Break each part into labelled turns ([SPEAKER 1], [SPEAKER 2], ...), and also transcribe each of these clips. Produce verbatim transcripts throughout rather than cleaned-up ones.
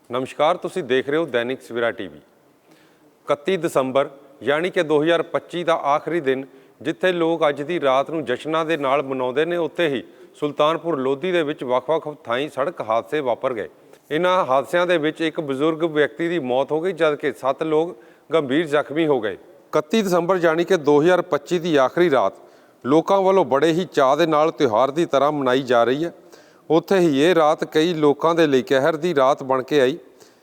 [SPEAKER 1] नमस्कार, तुसी देख रहे हो दैनिक सवेरा टीवी। इकत्ती दसंबर यानी कि दो हज़ार पच्ची का आखिरी दिन जिथे लोग अज की रात को जश्नां दे नाल मनाउंदे ने, उत्थे ही सुल्तानपुर लोधी दे विच वख-वख थाईं सड़क हादसे वापर गए। इन्हां हादसिਆਂ ਦੇ ਵਿੱਚ एक बजुर्ग व्यक्ति की मौत हो गई, जबकि सत्त लोग गंभीर ਜ਼ਖਮੀ हो गए। इकत्ती दसंबर यानी कि दो हज़ार पच्ची की आखिरी रात लोगों वालों बड़े ही चाह दे नाल त्यौहार की तरह मनाई जा रही है। उत्थे ही ये रात कई लोगों के लिए कहर की रात बन के आई।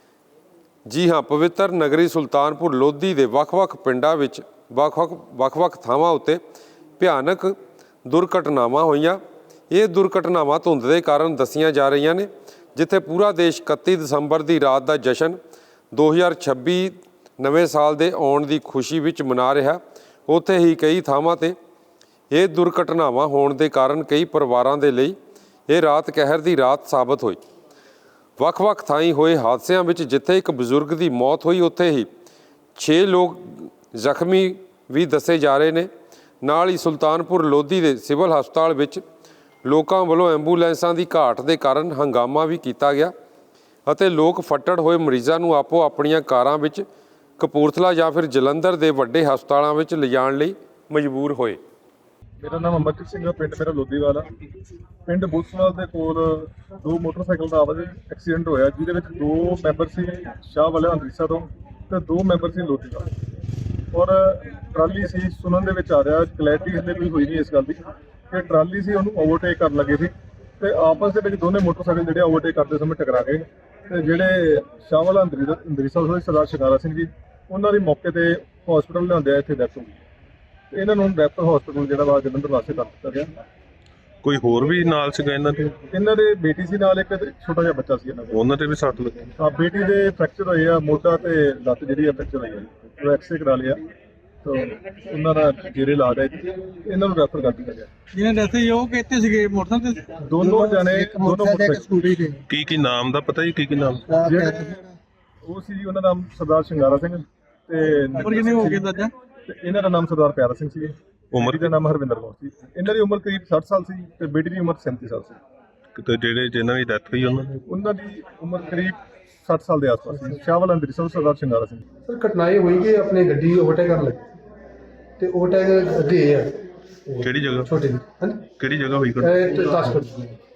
[SPEAKER 1] जी हाँ, पवित्र नगरी सुल्तानपुर लोधी के ਵੱਖ-ਵੱਖ ਪਿੰਡਾਂ ਵਿੱਚ ਵੱਖ-ਵੱਖ ਵੱਖ-ਵੱਖ ਥਾਵਾਂ ਉੱਤੇ ਭਿਆਨਕ ਦੁਰਘਟਨਾਵਾਂ ਹੋਈਆਂ। ਇਹ ਦੁਰਘਟਨਾਵਾਂ ਧੁੰਦ ਦੇ ਕਾਰਨ ਦੱਸੀਆਂ ਜਾ ਰਹੀਆਂ ਨੇ। ਜਿੱਥੇ ਪੂਰਾ ਦੇਸ਼ ਇਕੱਤੀ ਦਸੰਬਰ ਦੀ ਰਾਤ ਦਾ ਜਸ਼ਨ ਦੋ ਹਜ਼ਾਰ ਛੱਬੀ ਨਵੇਂ ਸਾਲ ਦੇ ਆਉਣ ਦੀ ਖੁਸ਼ੀ ਵਿੱਚ ਮਨਾ ਰਿਹਾ, ਉੱਥੇ ਹੀ ਕਈ ਥਾਵਾਂ 'ਤੇ ਇਹ ਦੁਰਘਟਨਾਵਾਂ ਹੋਣ ਦੇ ਕਾਰਨ ਕਈ ਪਰਿਵਾਰਾਂ ਦੇ ਲਈ ਇਹ ਰਾਤ ਕਹਿਰ ਦੀ ਰਾਤ ਸਾਬਤ ਹੋਈ। ਵੱਖ-ਵੱਖ ਥਾਈਂ ਹੋਏ ਹਾਦਸਿਆਂ ਵਿੱਚ ਜਿੱਥੇ ਇੱਕ ਬਜ਼ੁਰਗ ਦੀ ਮੌਤ ਹੋਈ, ਉੱਥੇ ਹੀ ਛੇ ਲੋਕ ਜ਼ਖਮੀ ਵੀ ਦੱਸੇ ਜਾ ਰਹੇ ਨੇ। ਨਾਲ ਹੀ ਸੁਲਤਾਨਪੁਰ ਲੋਧੀ ਦੇ ਸਿਵਲ ਹਸਪਤਾਲ ਵਿੱਚ ਲੋਕਾਂ ਵੱਲੋਂ ਐਂਬੂਲੈਂਸਾਂ ਦੀ ਘਾਟ ਦੇ ਕਾਰਨ ਹੰਗਾਮਾ ਵੀ ਕੀਤਾ ਗਿਆ ਅਤੇ ਲੋਕ ਫੱਟੜ ਹੋਏ ਮਰੀਜ਼ਾਂ ਨੂੰ ਆਪੋ ਆਪਣੀਆਂ ਕਾਰਾਂ ਵਿੱਚ ਕਪੂਰਥਲਾ ਜਾਂ ਫਿਰ ਜਲੰਧਰ ਦੇ ਵੱਡੇ ਹਸਪਤਾਲਾਂ ਵਿੱਚ ਲਿਜਾਣ ਲਈ ਮਜਬੂਰ ਹੋਏ।
[SPEAKER 2] मेरा नाम अमरजीत सिंह है, पिंड मेरा लोधीवाला। पिंड बुलसवाल के कोल दो मोटरसाइकिल का आवाज एक्सीडेंट होया, जिहदे विच दो मैंबर सी शाह वाले अंदरीसा तो ते दो मैंबर सी लोधी का। और ट्राली सी सुनन दे विच आ रहा, क्लैरिटी इसलिए कोई हुई नहीं इस गल दी कि ट्राली सी उहनूं ओवरटेक कर लगे सी ते आपस दे विच दोने मोटरसाइकिल जिहड़े ओवरटेक करते समय टकरा गए ते जिहड़े शाह वाला अंदरीसा अंदरीसा होए सरदार शिकारा सिंह जी, उन्हां दी मौके ते हॉस्पिटल लिआंदे इत्थे डेथ हो गई। ਇਹਨਾਂ ਨੂੰ ਰੈਫਰ ਹਸਪੀਟਲ ਜਿਹੜਾ ਵਾ ਜਲੰਧਰ ਵਾਸਤੇ ਕਰ ਦਿੱਤਾ ਗਿਆ।
[SPEAKER 3] ਕੋਈ ਹੋਰ ਵੀ ਨਾਲ ਸੀਗਾ ਇਹਨਾਂ ਦੇ?
[SPEAKER 2] ਇਹਨਾਂ ਦੇ ਬੇਟੀ ਸੀ ਨਾਲ, ਇੱਕ ਛੋਟਾ ਜਿਹਾ ਬੱਚਾ ਸੀ ਇਹਨਾਂ ਦਾ।
[SPEAKER 3] ਉਹਨਾਂ ਤੇ ਵੀ ਸੱਟ ਲੱਗੀ?
[SPEAKER 2] ਹਾਂ, ਬੇਟੀ ਦੇ ਫ੍ਰੈਕਚਰ ਹੋਏ ਆ, ਮੋਢਾ ਤੇ ਲੱਤ ਜਿਹੜੀ ਆ ਫ੍ਰੈਕਚਰ ਹੋਈ ਆ, ਉਹ ਐਕਸਰੇ ਕਰਾ ਲਿਆ ਤਾਂ ਉਹਨਾਂ ਦਾ ਜੇਰੇ ਇਲਾਜ ਹੈ। ਇਹਨਾਂ ਨੂੰ ਰੈਫਰ ਕਰ ਦਿੱਤਾ ਗਿਆ।
[SPEAKER 4] ਜਿਹਨਾਂ ਡੈਥ ਹੋਈ ਉਹ ਕਿੱਥੇ ਸੀਗੇ? ਮੋਟਰਸਾਈਕਲ ਤੇ
[SPEAKER 2] ਦੋਨੋਂ ਜਾਣੇ ਦੋਨੋਂ
[SPEAKER 4] ਸਕੂਟਰੀ ਤੇ।
[SPEAKER 3] ਕੀ ਕੀ ਨਾਮ ਦਾ ਪਤਾ ਜੀ? ਕੀ ਕੀ ਨਾਮ?
[SPEAKER 2] ਜਿਹੜੇ ਉਹ ਸੀ ਜੀ, ਉਹਨਾਂ ਦਾ ਨਾਮ ਸਰਦਾਰ ਸ਼ਿੰਗਾਰਾ ਸਿੰਘ ਤੇ
[SPEAKER 4] ਉਮਰ ਕਿੰਨੀ ਹੋ ਗਈ ਦਾਦਾ?
[SPEAKER 2] ਤੇ ਇਹਨਾਂ ਦਾ ਨਾਮ ਸਰਦਾਰ ਪਿਆਰਾ ਸਿੰਘ ਸੀ।
[SPEAKER 3] ਉਮਰ
[SPEAKER 2] ਦਾ ਨਾਮ ਹਰਵਿੰਦਰ ਕੌਰ ਸੀ। ਇਹਨਾਂ ਦੀ ਉਮਰ ਕਰੀਬ ਸੱਠ ਸਾਲ ਸੀ ਤੇ ਬੇਟੀ ਦੀ ਉਮਰ ਸੈਂਤੀ ਸਾਲ ਸੀ।
[SPEAKER 3] ਕਿਤੇ ਜਿਹੜੇ ਜਿਨ੍ਹਾਂ ਦੀ ਡੈਥ ਹੋਈ ਉਹਨਾਂ ਦੀ
[SPEAKER 2] ਉਹਨਾਂ ਦੀ ਉਮਰ ਕਰੀਬ ਸੱਠ ਸਾਲ ਦੇ ਆਸ-ਪਾਸ ਸੀ। ਸ਼ਾਹਵਾਲ ਅੰਦਰੀਸਾ ਸਰਦਾਰ ਸ਼ਿੰਗਾਰਾ ਸਿੰਘ।
[SPEAKER 5] ਸਰ ਘਟਨਾ ਇਹ ਹੋਈ ਕਿ ਆਪਣੀ ਗੱਡੀ ਓਵਰਟੇਕ ਕਰਨ ਲੱਗੀ ਤੇ ਓਵਰਟੇਕ ਅੱਗੇ ਆ
[SPEAKER 3] ਕਿਹੜੀ ਜਗ੍ਹਾ?
[SPEAKER 5] ਛੋਟੀ ਦੀ। ਹਾਂਜੀ,
[SPEAKER 3] ਕਿਹੜੀ ਜਗ੍ਹਾ ਹੋਈ?
[SPEAKER 5] ਇਹ ਦਸ ਫੁੱਟ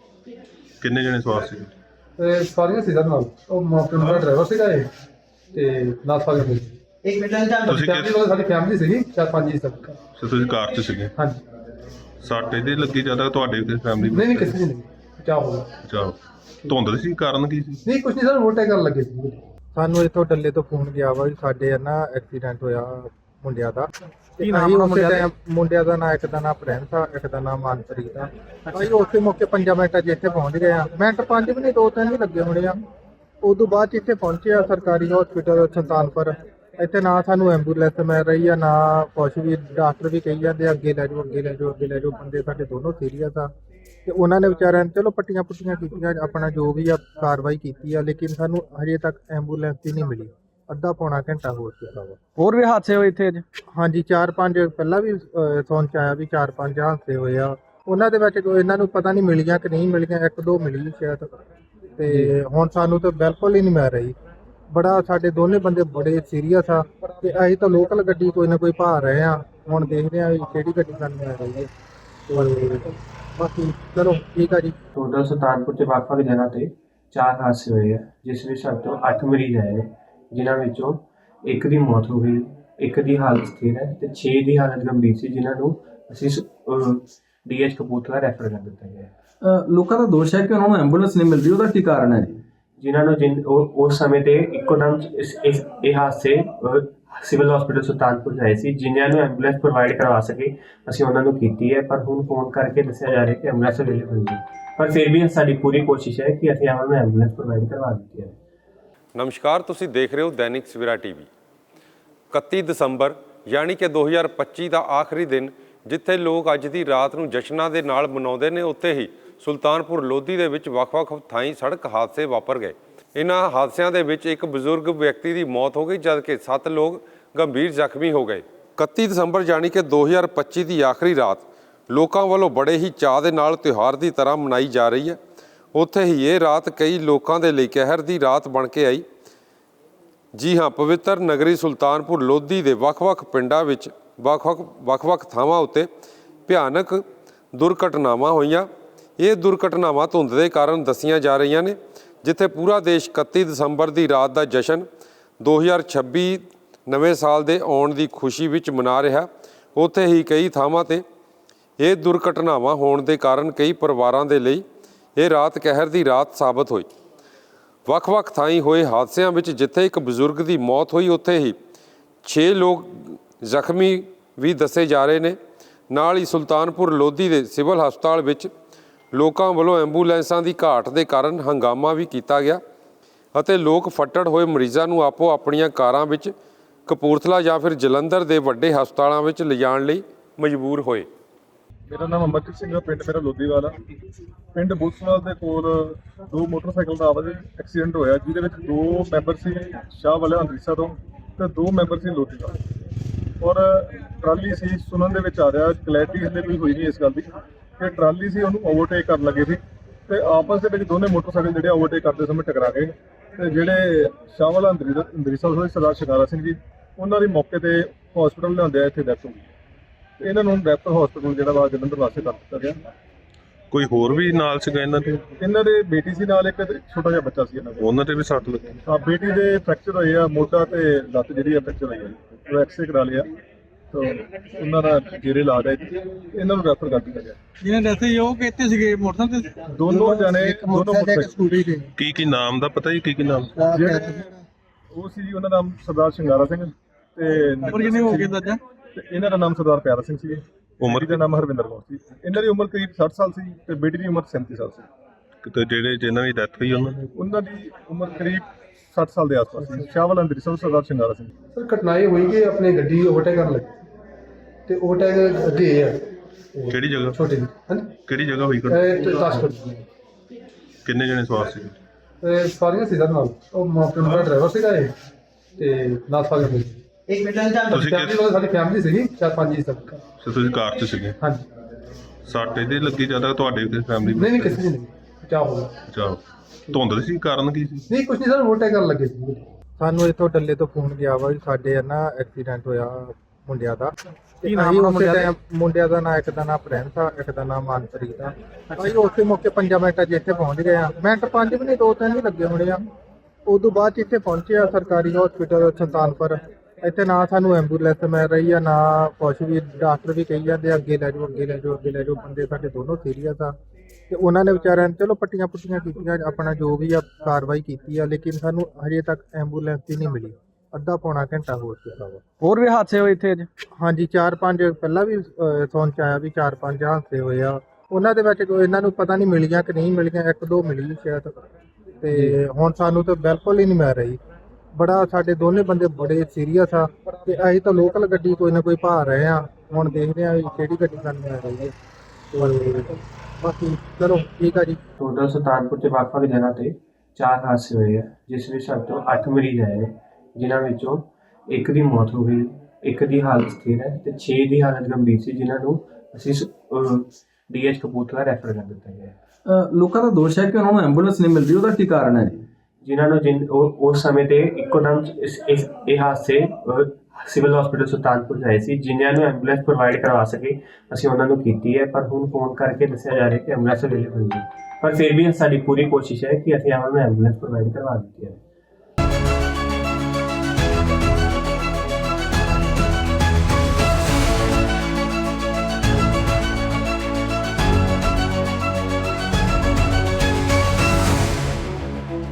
[SPEAKER 3] ਕਿੰਨੇ ਜਣੇ ਸਵਾਰ ਸੀ?
[SPEAKER 5] ਇਹ ਸਾਰੀਆਂ ਸੀ ਨਾਲ। ਉਹ ਮੌਕੇ ਦਾ ਡਰਾਈਵਰ ਸੀਗਾ ਇਹ ਤੇ ਨਾਲ ਸਾਰੀਆਂ ਸੀ।
[SPEAKER 3] ਤੁਸੀਂ
[SPEAKER 5] ਫੈਮਿਲੀ ਵਾਲੇ, ਸਾਡੀ ਫੈਮਿਲੀ ਸੀਗੀ ਚਾਰ ਪੰਜ ਜੀ ਤੱਕ।
[SPEAKER 3] ਸੋ ਤੁਸੀਂ ਕਾਰ 'ਚ ਸੀਗੇ?
[SPEAKER 5] ਹਾਂਜੀ।
[SPEAKER 3] ਸੱਟ ਇਹਦੀ ਲੱਗੀ ਜ਼ਿਆਦਾ ਤੁਹਾਡੇ ਤੇ ਫੈਮਿਲੀ?
[SPEAKER 5] ਨਹੀਂ ਨਹੀਂ, ਕਿਸੇ ਦੀ ਨਹੀਂ। ਚਾਹ ਹੋ ਗਿਆ।
[SPEAKER 3] ਅੱਛਾ, ਧੁੰਦ ਸੀ? ਕਾਰਨ ਕੀ ਸੀ?
[SPEAKER 5] ਨਹੀਂ ਕੁਝ ਨਹੀਂ ਸਰ, ਓਵਰਟੇਕ ਕਰਨ ਲੱਗੇ ਸੀ।
[SPEAKER 6] ਸਾਨੂੰ ਇੱਥੋਂ ਡੱਲੇ ਤੋਂ ਫੋਨ ਗਿਆ ਵਾ ਵੀ ਸਾਡੇ ਨਾ ਐਕਸੀਡੈਂਟ ਹੋਇਆ ਮੁੰਡਿਆਂ ਦਾ।
[SPEAKER 4] ਕੀ ਨਾਮ ਆ ਮੁੰਡਿਆਂ ਦਾ?
[SPEAKER 6] ਮੁੰਡਿਆਂ ਦਾ ਨਾਂ, ਇੱਕ ਦਾ ਨਾਂ ਪ੍ਰਿੰਸ ਆ, ਇੱਕ ਦਾ ਨਾਂ ਮਨਪ੍ਰੀਤ ਆ। ਅਸੀਂ ਉਸੇ ਮੌਕੇ ਪੰਜਾਂ ਮਿੰਟਾਂ 'ਚ ਇੱਥੇ ਪਹੁੰਚ ਗਏ ਆ। ਮਿੰਟ ਪੰਜ ਵੀ ਨਹੀਂ, ਦੋ ਤਿੰਨ ਵੀ ਲੱਗੇ ਹੋਣੇ ਆ। ਉਦੋਂ ਬਾਅਦ 'ਚ ਇੱਥੇ ਪਹੁੰਚੇ ਆ ਸਰਕਾਰੀ ਹਸਪੀਟਲ ਸੁਲਤਾਨਪੁਰ। ਇੱਥੇ ਨਾ ਸਾਨੂੰ ਐਂਬੂਲੈਂਸ ਮਿਲ ਰਹੀ ਆ, ਨਾ ਕੁਛ ਵੀ। ਡਾਕਟਰ ਵੀ ਕਹੀ ਜਾਂਦੇ ਆ ਅੱਗੇ ਲੈ ਜਾਓ, ਅੱਗੇ ਲੈ ਜਾਓ, ਅੱਗੇ ਲੈ ਜਾਓ। ਬੰਦੇ ਸਾਡੇ ਦੋਨੋਂ ਸੀਰੀਅਸ ਆ ਤੇ ਉਹਨਾਂ ਨੇ ਵਿਚਾਰਿਆਂ ਨੇ ਚਲੋ ਪੱਟੀਆਂ ਪੁੱਟੀਆਂ ਕੀਤੀਆਂ, ਆਪਣਾ ਜੋ ਵੀ ਆ ਕਾਰਵਾਈ ਕੀਤੀ ਆ, ਲੇਕਿਨ ਸਾਨੂੰ ਹਜੇ ਤੱਕ ਐਂਬੂਲੈਂਸ ਹੀ ਨਹੀਂ ਮਿਲੀ। ਅੱਧਾ ਪੌਣਾ ਘੰਟਾ ਹੋ ਚੁੱਕਾ ਵਾ।
[SPEAKER 4] ਹੋਰ ਵੀ ਹਾਦਸੇ ਹੋਏ ਇੱਥੇ ਅੱਜ?
[SPEAKER 6] ਹਾਂਜੀ, ਚਾਰ ਪੰਜ ਪਹਿਲਾਂ ਵੀ ਸੁਣ 'ਚ ਆਇਆ ਵੀ ਚਾਰ ਪੰਜ ਹਾਦਸੇ ਹੋਏ ਆ। ਉਹਨਾਂ ਦੇ ਵਿੱਚ ਕੋਈ ਇਹਨਾਂ ਨੂੰ ਪਤਾ ਨਹੀਂ ਮਿਲੀਆਂ ਕਿ ਨਹੀਂ ਮਿਲੀਆਂ, ਇੱਕ ਦੋ ਮਿਲੀ ਸ਼ਾਇਦ। ਤੇ ਹੁਣ ਸਾਨੂੰ ਤਾਂ ਬਿਲਕੁਲ ਹੀ ਨਹੀਂ ਮਿਲ ਰਹੀ। ਬੜਾ ਸਾਡੇ ਦੋਨੇ ਬੰਦੇ ਬੜੇ ਸੀਰੀਅਸ ਆ ਤੇ ਅਸੀਂ ਤਾਂ ਲੋਕਲ ਗੱਡੀ ਕੋਈ ਨਾ ਕੋਈ ਭਾਲ ਰਹੇ ਆ। ਹੁਣ ਦੇਖਦੇ ਆ ਵੀ ਕਿਹੜੀ ਗੱਡੀ ਸਾਨੂੰ ਮਿਲ ਰਹੀ ਹੈ। ਤੇ ਬਾਕੀ ਚਲੋ ਠੀਕ ਆ ਜੀ।
[SPEAKER 7] ਟੋਟਲ ਸੁਲਤਾਨਪੁਰ ਦੇ ਵੱਖ-ਵੱਖ ਜਗ੍ਹਾ ਤੇ ਚਾਰ ਹਾਦਸੇ ਹੋਏ ਆ, ਜਿਸ ਵਿੱਚ ਸਾਡੇ ਤੋਂ ਅੱਠ ਮਰੀਜ਼ ਆਏ ਨੇ, ਜਿਨ੍ਹਾਂ ਵਿੱਚੋਂ ਇੱਕ ਦੀ ਮੌਤ ਹੋ ਗਈ, ਇੱਕ ਦੀ ਹਾਲਤ ਸਥਿਰ ਹੈ ਤੇ ਛੇ ਦੀ ਹਾਲਤ ਗੰਭੀਰ ਸੀ, ਜਿਨ੍ਹਾਂ ਨੂੰ ਅਸੀਂ ਡੀ ਐਚ ਕਪੂਰਥਲਾ ਰੈਫਰ ਕਰ ਦਿੱਤਾ ਗਿਆ।
[SPEAKER 4] ਲੋਕਾਂ ਦਾ ਦੋਸ਼ ਹੈ ਕਿ ਉਹਨਾਂ ਨੂੰ ਐਂਬੂਲੈਂਸ ਨਹੀਂ ਮਿਲ ਰਹੀ, ਉਹਦਾ ਕੀ ਕਾਰਨ ਹੈ ਜੀ?
[SPEAKER 7] ਜਿਨ੍ਹਾਂ ਨੂੰ ਜਿਨ ਉਸ ਸਮੇਂ ਤੇ ਇੱਕੋ ਦਮ ਇਹ ਹਾਦਸੇ ਸਿਵਲ ਹਸਪੀਟਲ ਸੁਲਤਾਨਪੁਰ ਆਏ ਸੀ, ਜਿਨ੍ਹਾਂ ਨੂੰ ਐਂਬੂਲੈਂਸ ਪ੍ਰੋਵਾਈਡ ਕਰਵਾ ਸਕੇ ਅਸੀਂ ਉਹਨਾਂ ਨੂੰ ਕੀਤੀ ਹੈ। ਪਰ ਹੁਣ ਫੋਨ ਕਰਕੇ ਦੱਸਿਆ ਜਾ ਰਿਹਾ ਕਿ ਐਂਬੂਲੈਂਸ ਅਵੇਲੇਬਲ ਨਹੀਂ, ਪਰ ਫਿਰ ਵੀ ਸਾਡੀ ਪੂਰੀ ਕੋਸ਼ਿਸ਼ ਹੈ ਕਿ ਅਸੀਂ ਉਹਨਾਂ ਨੂੰ ਐਂਬੂਲੈਂਸ ਪ੍ਰੋਵਾਈਡ ਕਰਵਾ ਦਿੱਤੀ ਹੈ।
[SPEAKER 1] नमस्कार, तुसी देख रहे हो दैनिक सवेरा टीवी। इकत्ती दसंबर यानी कि दो हज़ार पच्ची का आखिरी दिन जिथे लोग अज की रात को जश्नां दे नाल मनाउंदे ने, उत्थे ही सुल्तानपुर लोधी दे विच वख-वख थाईं सड़क हादसे वापर गए। इन्हां हादसिਆਂ ਦੇ ਵਿੱਚ एक बजुर्ग व्यक्ति की मौत हो गई, जबकि सत्त लोग गंभीर ਜ਼ਖਮੀ हो गए। इकत्ती दसंबर यानी कि दो हज़ार पच्ची की आखिरी रात लोगों वालों बड़े ही चाह दे नाल त्यौहार की तरह मनाई जा रही है। ਉੱਥੇ ਹੀ ਇਹ ਰਾਤ ਕਈ ਲੋਕਾਂ ਦੇ ਲਈ ਕਹਿਰ ਦੀ ਰਾਤ ਬਣ ਕੇ ਆਈ। ਜੀ ਹਾਂ, ਪਵਿੱਤਰ ਨਗਰੀ ਸੁਲਤਾਨਪੁਰ ਲੋਧੀ ਦੇ ਵੱਖ-ਵੱਖ ਪਿੰਡਾਂ ਵਿੱਚ ਵੱਖ-ਵੱਖ ਵੱਖ-ਵੱਖ ਥਾਵਾਂ ਉੱਤੇ ਭਿਆਨਕ ਦੁਰਘਟਨਾਵਾਂ ਹੋਈਆਂ। ਇਹ ਦੁਰਘਟਨਾਵਾਂ ਧੁੰਦ ਦੇ ਕਾਰਨ ਦੱਸੀਆਂ ਜਾ ਰਹੀਆਂ ਨੇ। ਜਿੱਥੇ ਪੂਰਾ ਦੇਸ਼ ਇਕੱਤੀ ਦਸੰਬਰ ਦੀ ਰਾਤ ਦਾ ਜਸ਼ਨ ਦੋ ਹਜ਼ਾਰ ਛੱਬੀ ਨਵੇਂ ਸਾਲ ਦੇ ਆਉਣ ਦੀ ਖੁਸ਼ੀ ਵਿੱਚ ਮਨਾ ਰਿਹਾ, ਉੱਥੇ ਹੀ ਕਈ ਥਾਵਾਂ 'ਤੇ ਇਹ ਦੁਰਘਟਨਾਵਾਂ ਹੋਣ ਦੇ ਕਾਰਨ ਕਈ ਪਰਿਵਾਰਾਂ ਦੇ ਲਈ ਇਹ ਰਾਤ ਕਹਿਰ ਦੀ ਰਾਤ ਸਾਬਤ ਹੋਈ। ਵੱਖ-ਵੱਖ ਥਾਈਂ ਹੋਏ ਹਾਦਸਿਆਂ ਵਿੱਚ ਜਿੱਥੇ ਇੱਕ ਬਜ਼ੁਰਗ ਦੀ ਮੌਤ ਹੋਈ, ਉੱਥੇ ਹੀ ਛੇ ਲੋਕ ਜ਼ਖਮੀ ਵੀ ਦੱਸੇ ਜਾ ਰਹੇ ਨੇ। ਨਾਲ ਹੀ ਸੁਲਤਾਨਪੁਰ ਲੋਧੀ ਦੇ ਸਿਵਲ ਹਸਪਤਾਲ ਵਿੱਚ ਲੋਕਾਂ ਵੱਲੋਂ ਐਂਬੂਲੈਂਸਾਂ ਦੀ ਘਾਟ ਦੇ ਕਾਰਨ ਹੰਗਾਮਾ ਵੀ ਕੀਤਾ ਗਿਆ ਅਤੇ ਲੋਕ ਫੱਟੜ ਹੋਏ ਮਰੀਜ਼ਾਂ ਨੂੰ ਆਪੋ ਆਪਣੀਆਂ ਕਾਰਾਂ ਵਿੱਚ ਕਪੂਰਥਲਾ ਜਾਂ ਫਿਰ ਜਲੰਧਰ ਦੇ ਵੱਡੇ ਹਸਪਤਾਲਾਂ ਵਿੱਚ ਲਿਜਾਣ ਲਈ ਮਜਬੂਰ ਹੋਏ।
[SPEAKER 2] ਮੇਰਾ ਨਾਮ ਅਮਰਜੀਤ ਸਿੰਘ ਹੈ, ਪਿੰਡ ਮੇਰਾ ਲੋਧੀਵਾਲਾ। ਪਿੰਡ ਬੁੱਸਵਾਲ ਦੇ ਕੋਲ ਦੋ ਮੋਟਰਸਾਈਕਲ ਦਾ ਆਵਾਜ਼ ਐਕਸੀਡੈਂਟ ਹੋਇਆ, ਜਿਹਦੇ ਵਿੱਚ ਦੋ ਮੈਂਬਰ ਸੀ ਸ਼ਾਹ ਵਾਲੇ ਅੰਦਰੀਸਾ ਤੋਂ ਤੇ ਦੋ ਮੈਂਬਰ ਸੀ ਲੋਧੀਵਾਲ। ਔਰ ਟਰਾਲੀ ਸੀ, ਸੁਣਨ ਦੇ ਵਿੱਚ ਆ ਰਿਹਾ, ਕਲੈਰਿਟੀ ਹਲੇ ਕੋਈ ਹੋਈ ਨਹੀਂ ਇਸ ਗੱਲ ਦੀ ਕਿ ਟਰਾਲੀ ਸੀ ਉਹਨੂੰ ਓਵਰਟੇਕ ਕਰਨ ਲੱਗੇ ਸੀ ਤੇ ਆਪਸ ਦੇ ਵਿੱਚ ਦੋਨੇ ਮੋਟਰਸਾਈਕਲ ਜਿਹੜੇ ਓਵਰਟੇਕ ਕਰਦੇ ਸਮੇਂ ਟਕਰਾ ਗਏ ਤੇ ਜਿਹੜੇ ਸ਼ਾਹ ਵਾਲਾ ਅੰਦਰੀਸਾ ਅੰਦਰੀਸਾ ਹੋਏ ਸਰਦਾਰ ਸ਼ਿਕਾਰਾ ਸਿੰਘ ਜੀ, ਉਹਨਾਂ ਦੀ ਮੌਕੇ ਤੇ ਹਸਪੀਟਲ ਲਿਆਂਦੇ ਆ, ਇੱਥੇ ਡੈਥ ਹੋ ਗਈ। ਇਹਨਾਂ ਨੂੰ ਰੈਫਰ ਹਸਪੀਟਲ ਜਿਹੜਾ ਵਾ ਜਲੰਧਰ ਵਾਸਤੇ ਕਰ ਦਿੱਤਾ ਗਿਆ।
[SPEAKER 3] ਕੋਈ ਹੋਰ ਵੀ ਨਾਲ ਸੀਗਾ ਇਹਨਾਂ ਦੇ?
[SPEAKER 2] ਇਹਨਾਂ ਦੇ ਬੇਟੀ ਸੀ ਨਾਲ, ਇੱਕ ਛੋਟਾ ਜਿਹਾ ਬੱਚਾ ਸੀ ਇਹਨਾਂ ਦਾ।
[SPEAKER 3] ਉਹਨਾਂ ਤੇ ਵੀ ਸੱਟ ਲੱਗੀ?
[SPEAKER 2] ਹਾਂ, ਬੇਟੀ ਦੇ ਫ੍ਰੈਕਚਰ ਹੋਏ ਆ, ਮੋਢਾ ਤੇ ਲੱਤ ਜਿਹੜੀ ਆ ਫ੍ਰੈਕਚਰ ਹੋਈ ਆ, ਉਹ ਐਕਸਰੇ ਕਰਾ ਲਿਆ ਤਾਂ ਉਹਨਾਂ ਦਾ ਜੇਰੇ ਇਲਾਜ ਹੈ। ਇਹਨਾਂ ਨੂੰ ਰੈਫਰ ਕਰ ਦਿੱਤਾ ਗਿਆ।
[SPEAKER 4] ਜਿਹਨੇ ਡੈਥ ਹੋਈ ਉਹ ਕਿੱਥੇ ਸੀਗੇ? ਮੋਟਰਸਾਈਕਲ ਤੇ
[SPEAKER 2] ਦੋਨੋਂ ਜਣੇ ਦੋਨੋਂ ਮੋਟਰਸਾਈਕਲ
[SPEAKER 3] ਕੀ ਕੀ ਨਾਮ ਦਾ ਪਤਾ ਜੀ? ਕੀ ਕੀ ਨਾਮ?
[SPEAKER 2] ਜਿਹੜੇ ਉਹ ਸੀ ਜੀ, ਉਹਨਾਂ ਦਾ ਨਾਮ ਸਰਦਾਰ ਸ਼ਿੰਗਾਰਾ ਸਿੰਘ ਤੇ
[SPEAKER 4] ਉਮਰ ਕਿੰਨੀ ਹੋ ਗਈ ਦਾਦਾ?
[SPEAKER 2] ਤੇ ਇਹਨਾਂ ਦਾ ਨਾਮ ਸਰਦਾਰ ਪਿਆਰਾ ਸਿੰਘ ਸੀ।
[SPEAKER 3] ਉਮਰ
[SPEAKER 2] ਦਾ ਨਾਮ ਹਰਵਿੰਦਰ ਕੌਰ ਸੀ। ਇਹਨਾਂ ਦੀ ਉਮਰ ਕਰੀਬ ਸੱਠ ਸਾਲ ਸੀ ਤੇ ਬੇਟੀ ਦੀ ਉਮਰ ਸੈਂਤੀ ਸਾਲ ਸੀ।
[SPEAKER 3] ਤੇ ਜਿਹੜੇ ਜਿਨ੍ਹਾਂ ਦੀ ਡੈਥ ਹੋਈ ਉਹਨਾਂ ਦੀ
[SPEAKER 2] ਉਹਨਾਂ ਦੀ ਉਮਰ ਕਰੀਬ ਸੱਠ ਸਾਲ ਦੇ ਆਸ-ਪਾਸ ਸੀ। ਸ਼ਾਹਵਾਲ ਅੰਦਰੀਸਾ ਸਰਦਾਰ ਸ਼ਿੰਗਾਰਾ ਸਿੰਘ।
[SPEAKER 5] ਸਰ ਘਟਨਾ ਇਹ ਹੋਈ ਕਿ ਆਪਣੀ ਗੱਡੀ ਓਵਰਟੇਕ ਕਰਨ ਲੱਗੀ ਤੇ ਓਵਰਟੇਕ ਅੱਗੇ ਆ
[SPEAKER 3] ਕਿਹੜੀ ਜਗ੍ਹਾ?
[SPEAKER 5] ਛੋਟੀ ਜੀ ਹਾਂਜੀ
[SPEAKER 3] ਕਿਹੜੀ ਜਗ੍ਹਾ ਹੋਈ ਘਟਨਾ?
[SPEAKER 5] ਇਹ ਤਾਸ਼ਕੰਦ
[SPEAKER 3] ਕਿੰਨੇ ਜਣੇ ਸਵਾਰ ਸੀ?
[SPEAKER 5] ਇਹ ਸਾਰੀਆਂ ਸੀ ਸਰ ਨਾਲ ਉਹ ਮਾਪਿਆਂ ਦਾ ਡਰਾਈਵਰ ਸੀਗਾ ਇਹ ਤੇ ਨਾਲ ਸਾਰੀਆਂ ਸੀ।
[SPEAKER 3] ਤੁਸੀਂ
[SPEAKER 5] ਫੈਮਿਲੀ
[SPEAKER 3] ਕਿਸ
[SPEAKER 5] ਸਾਡੀ ਫੈਮਿਲੀ ਸੀਗੀ ਚਾਰ ਪੰਜ ਜੀ ਤੱਕ।
[SPEAKER 3] ਤੇ ਤੁਸੀਂ ਕਾਰ 'ਚ ਸੀਗੇ?
[SPEAKER 5] ਹਾਂਜੀ
[SPEAKER 3] ਸੱਟ ਇਹਦੇ ਲੱਗੀ ਜ਼ਿਆਦਾ ਤੁਹਾਡੇ ਫੈਮਿਲੀ
[SPEAKER 5] ਨਹੀਂ ਨਹੀਂ ਕਿਸੇ ਦੀ ਨਹੀਂ ਚਾਹ ਹੋਗਾ।
[SPEAKER 3] ਅੱਛਾ, ਧੁੰਦ ਸੀ? ਕਾਰਨ ਕੀ ਸੀ?
[SPEAKER 5] ਨਹੀਂ ਕੁਝ ਨਹੀਂ ਸਰ ਓਵਰਟੇਕ ਕਰਨ ਲੱਗੇ ਸੀ।
[SPEAKER 6] ਸਾਨੂੰ ਇੱਥੋਂ ਡੱਲੇ ਤੋਂ ਫੋਨ ਗਿਆ ਵਾ ਵੀ ਸਾਡੇ ਆ ਨਾ ਐਕਸੀਡੈਂਟ ਹੋਇਆ ਮੁੰਡਿਆਂ ਦਾ।
[SPEAKER 4] ਕੀ ਨਾਮ
[SPEAKER 6] ਅਸੀਂ
[SPEAKER 4] ਆ
[SPEAKER 6] ਉਸੇ
[SPEAKER 4] ਮੁੰਡਿਆਂ ਦਾ?
[SPEAKER 6] ਟਾਈਮ ਮੁੰਡਿਆਂ ਦਾ ਨਾਂ, ਇੱਕ ਦਾ ਨਾਮ ਪ੍ਰਿੰਸ ਆ, ਇੱਕ ਦਾ ਨਾਮ ਮਾਨਪ੍ਰੀਤ ਆ। ਅਸੀਂ ਉਸੇ ਮੌਕੇ ਪੰਜਾਂ ਮਿੰਟਾਂ 'ਚ ਇੱਥੇ ਪਹੁੰਚ ਗਏ ਆ। ਮਿੰਟ ਪੰਜ ਵੀ ਨਹੀਂ, ਦੋ ਤਿੰਨ ਹੀ ਲੱਗੇ ਹੋਣੇ ਆ। ਉਦੋਂ ਬਾਅਦ 'ਚ ਇੱਥੇ ਪਹੁੰਚੇ ਆ ਸਰਕਾਰੀ ਹਸਪੀਟਲ ਸੁਲਤਾਨਪੁਰ। ਇੱਥੇ ਨਾ ਸਾਨੂੰ ਐਂਬੂਲੈਂਸ ਮਿਲ ਰਹੀ ਆ, ਨਾ ਕੁਛ ਵੀ। ਡਾਕਟਰ ਵੀ ਕਹੀ ਜਾਂਦੇ ਅੱਗੇ ਲੈ ਜਾਓ, ਅੱਗੇ ਲੈ ਜਾਓ, ਅੱਗੇ ਲੈ ਜਾਓ। ਬੰਦੇ ਸਾਡੇ ਦੋਨੋਂ ਸੀਰੀਅਸ ਆ ਤੇ ਉਹਨਾਂ ਨੇ ਵਿਚਾਰਿਆਂ ਨੇ ਚਲੋ ਪੱਟੀਆਂ ਪੁੱਟੀਆਂ ਕੀਤੀਆਂ, ਆਪਣਾ ਜੋ ਵੀ ਆ ਕਾਰਵਾਈ ਕੀਤੀ ਆ, ਲੇਕਿਨ ਸਾਨੂੰ ਹਜੇ ਤੱਕ ਐਂਬੂਲੈਂਸ ਹੀ ਨਹੀਂ ਮਿਲੀ। ਅੱਧਾ ਪੌਣਾ ਘੰਟਾ ਹੋ ਚੁੱਕਾ ਵਾ।
[SPEAKER 4] ਹੋਰ ਵੀ ਹਾਦਸੇ ਹੋਏ ਇੱਥੇ ਅੱਜ?
[SPEAKER 6] ਹਾਂਜੀ, ਚਾਰ ਪੰਜ ਪਹਿਲਾਂ ਵੀ ਅਹ, ਸੁਣ ਚ ਆਇਆ ਵੀ ਚਾਰ ਪੰਜ ਹਾਦਸੇ ਹੋਏ ਆ। ਉਹਨਾਂ ਦੇ ਵਿੱਚ ਕੋਈ ਇਹਨਾਂ ਨੂੰ ਪਤਾ ਨਹੀਂ ਮਿਲੀਆਂ ਕਿ ਨਹੀਂ ਮਿਲੀਆਂ, ਇੱਕ ਦੋ ਮਿਲੀ ਸ਼ਾਇਦ। ਤੇ ਹੁਣ ਸਾਨੂੰ ਤਾਂ ਬਿਲਕੁਲ ਹੀ ਨਹੀਂ ਮਿਲ ਰਹੀ। ਬੜਾ ਸਾਡੇ ਦੋਨੇ ਬੰਦੇ ਬੜੇ ਸੀਰੀਅਸ ਆ ਤੇ ਅਸੀਂ ਤਾਂ ਲੋਕਲ ਗੱਡੀ ਕੋਈ ਨਾ ਕੋਈ ਭਾਲ ਰਹੇ ਆ। ਹੁਣ ਦੇਖਦੇ ਆ ਵੀ ਕਿਹੜੀ ਗੱਡੀ ਸਾਨੂੰ ਮਿਲ ਰਹੀ ਹੈ। ਤੇ ਬਾਕੀ ਚਲੋ ਠੀਕ ਆ ਜੀ।
[SPEAKER 7] ਟੋਟਲ ਸੁਲਤਾਨਪੁਰ 'ਚ ਵੱਖ-ਵੱਖ ਜਗ੍ਹਾ ਤੇ ਚਾਰ ਹਾਦਸੇ ਹੋਏ ਆ, ਜਿਸ ਵਿੱਚ ਸਾਡੇ ਤੋਂ ਅੱਠ ਮਰੀਜ਼ ਆਏ ਨੇ, ਜਿਨ੍ਹਾਂ ਵਿੱਚੋਂ ਇੱਕ ਦੀ ਮੌਤ ਹੋ ਗਈ, ਇੱਕ ਦੀ ਹਾਲਤ ਸਥਿਰ ਹੈ ਤੇ ਛੇ ਦੀ ਹਾਲਤ ਗੰਭੀਰ ਸੀ, ਜਿਨ੍ਹਾਂ ਨੂੰ ਅਸੀਂ ਡੀ ਐਚ ਕਪੂਰਥਲਾ ਰੈਫਰ ਕਰ ਦਿੱਤਾ ਗਿਆ ਹੈ।
[SPEAKER 4] ਲੋਕਾਂ ਦਾ ਦੋਸ਼ ਹੈ ਕਿ ਉਹਨਾਂ ਨੂੰ ਐਂਬੂਲੈਂਸ ਨਹੀਂ ਮਿਲ ਰਹੀ, ਉਹਦਾ ਕੀ ਕਾਰਨ ਹੈ ਜੀ?
[SPEAKER 7] ਜਿਨ੍ਹਾਂ ਨੂੰ ਜਿਨ ਉਹ ਉਸ ਸਮੇਂ ਤੇ ਇੱਕੋ ਦਮ ਇਸ ਇਸ ਇਹ ਹਾਦਸੇ ਸਿਵਲ ਹਸਪੀਟਲ ਸੁਲਤਾਨਪੁਰ 'ਚ ਆਏ ਸੀ। ਜਿਨ੍ਹਾਂ ਨੂੰ ਐਂਬੂਲੈਂਸ ਪ੍ਰੋਵਾਈਡ ਕਰਵਾ ਸਕੇ ਅਸੀਂ ਉਹਨਾਂ ਨੂੰ ਕੀਤੀ ਹੈ, ਪਰ ਹੁਣ ਫੋਨ ਕਰਕੇ ਦੱਸਿਆ ਜਾ ਰਿਹਾ ਕਿ ਐਂਬੂਲੈਂਸ ਅਵੇਲੇਬਲ ਨਹੀਂ। ਪਰ ਫਿਰ ਵੀ ਸਾਡੀ ਪੂਰੀ ਕੋਸ਼ਿਸ਼ ਹੈ ਕਿ ਅਸੀਂ ਉਹਨਾਂ ਨੂੰ ਐਂਬੂਲੈਂਸ ਪ੍ਰੋਵਾਈਡ ਕਰਵਾ ਦਿੱਤੀ ਹੈ।